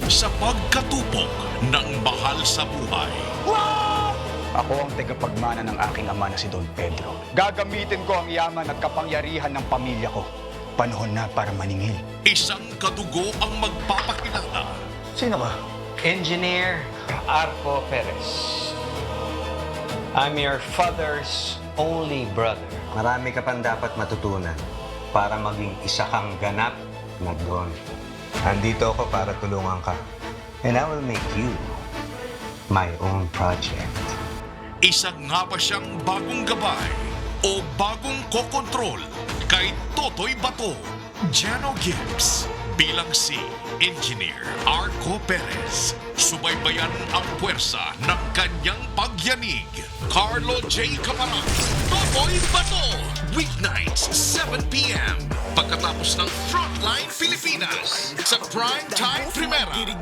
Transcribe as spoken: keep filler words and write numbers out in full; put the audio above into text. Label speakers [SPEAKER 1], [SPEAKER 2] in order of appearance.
[SPEAKER 1] sa pagkatupok ng mahal sa buhay.
[SPEAKER 2] Ako ang tagapagmana ng aking ama na si Don Pedro. Gagamitin ko ang yaman at kapangyarihan ng pamilya ko. Panahon na para maningil.
[SPEAKER 1] Isang kadugo ang magpapakilala.
[SPEAKER 2] Sino ka?
[SPEAKER 3] Engineer Arco Perez. I'm your father's only brother.
[SPEAKER 4] Marami ka pang dapat matutunan para maging isa kang ganap na Don. Andito ako para tulungan ka. And I will make you my own project.
[SPEAKER 1] Isa nga ba siyang bagong gabay o bagong kokontrol kay Totoy Bato? Jano Gibbs bilang si Engineer Arco Perez. Subaybayan ang puwersa ng kanyang pagyanig. Carlo J. Camarang, Totoy Bato. Weeknights, seven p m Pagkatapos ng Frontline Pilipinas sa Primetime Primera.